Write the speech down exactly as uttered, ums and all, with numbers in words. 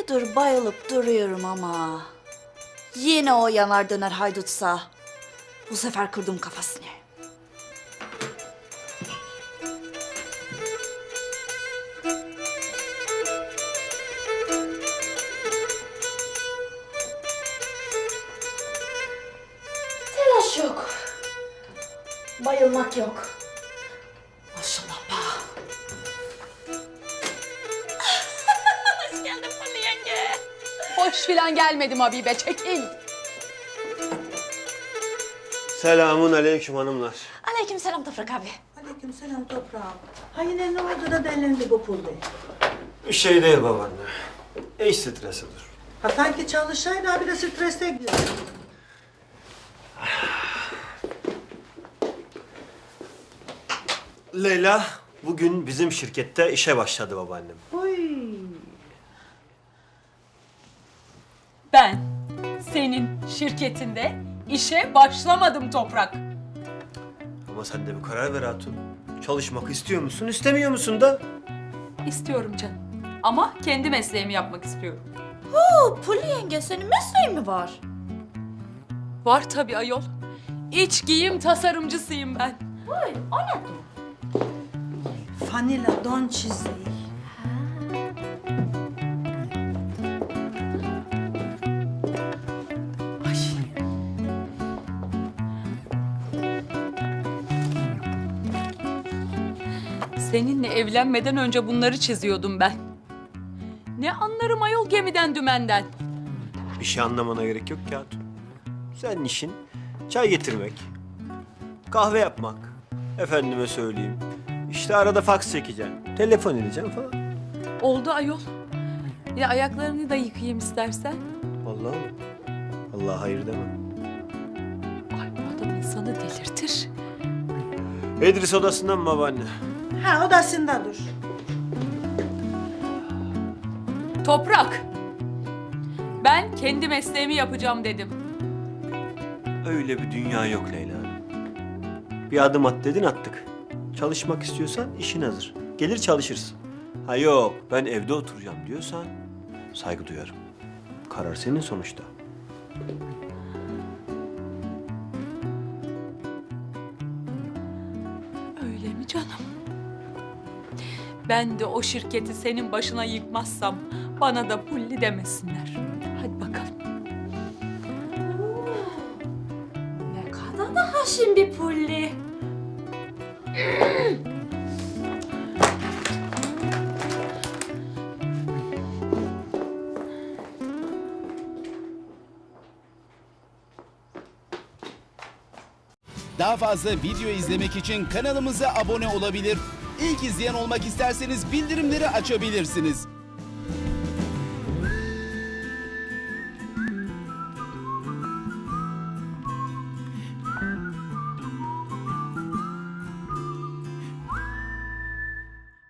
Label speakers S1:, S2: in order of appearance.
S1: Aylardır bayılıp duruyorum ama... Yine o yanar döner haydutsa... Bu sefer kırdım kafasını. Telaş yok. Bayılmak yok. Maşallah ba. Hoş geldin Pırlı yenge.
S2: Hoş filan gelmedim Habibe, çekil.
S3: Selamun aleyküm hanımlar.
S1: Aleyküm selam Toprak abi.
S4: Aleykümselam toprağım. Ha yine ne oldu da delindi bu pul bey?
S3: Bir şey değil babaanne. İş stresidir.
S4: Ha sanki çalışsaydı ha bir de streste gidiyor.
S3: Leyla bugün bizim şirkette işe başladı babaannem.
S4: Oy.
S2: Ben senin şirketinde işe başlamadım Toprak.
S3: Ama sen de bir karar ver hatun. Çalışmak istiyor musun, istemiyor musun da?
S2: İstiyorum canım. Ama kendi mesleğimi yapmak istiyorum.
S1: Oo, Pırlı yenge senin mesleğin mi var?
S2: Var tabii ayol. İç giyim tasarımcısıyım ben.
S1: Vay, o ne?
S4: Fanila don çizeyi.
S2: Seninle evlenmeden önce bunları çiziyordum ben. Ne anlarım ayol gemiden dümenden.
S3: Bir şey anlamana gerek yok ki hatun. Senin işin çay getirmek, kahve yapmak. Efendime söyleyeyim. İşte arada faks çekeceksin, telefon edeceksin falan.
S2: Oldu ayol. Ya ayaklarını da yıkayayım istersen.
S3: Vallahi mi? Allah hayır deme.
S2: Ay bu adam insanı delirtir.
S3: İdris odasından mı babaanne?
S4: Ha odasında dur.
S2: Toprak. Ben kendi mesleğimi yapacağım dedim.
S3: Öyle bir dünya yok Leyla. Bir adım at dedin attık. Çalışmak istiyorsan işin hazır. Gelir çalışırsın. Ha yok ben evde oturacağım diyorsan saygı duyarım. Karar senin sonuçta.
S2: Öyle mi canım? Ben de o şirketi senin başına yıkmazsam bana da pulli demesinler. Hadi bakalım.
S1: Ne kadar da haşin bir Pulli.
S5: Daha fazla video izlemek için kanalımıza abone olabilir. İlk izleyen olmak isterseniz bildirimleri açabilirsiniz.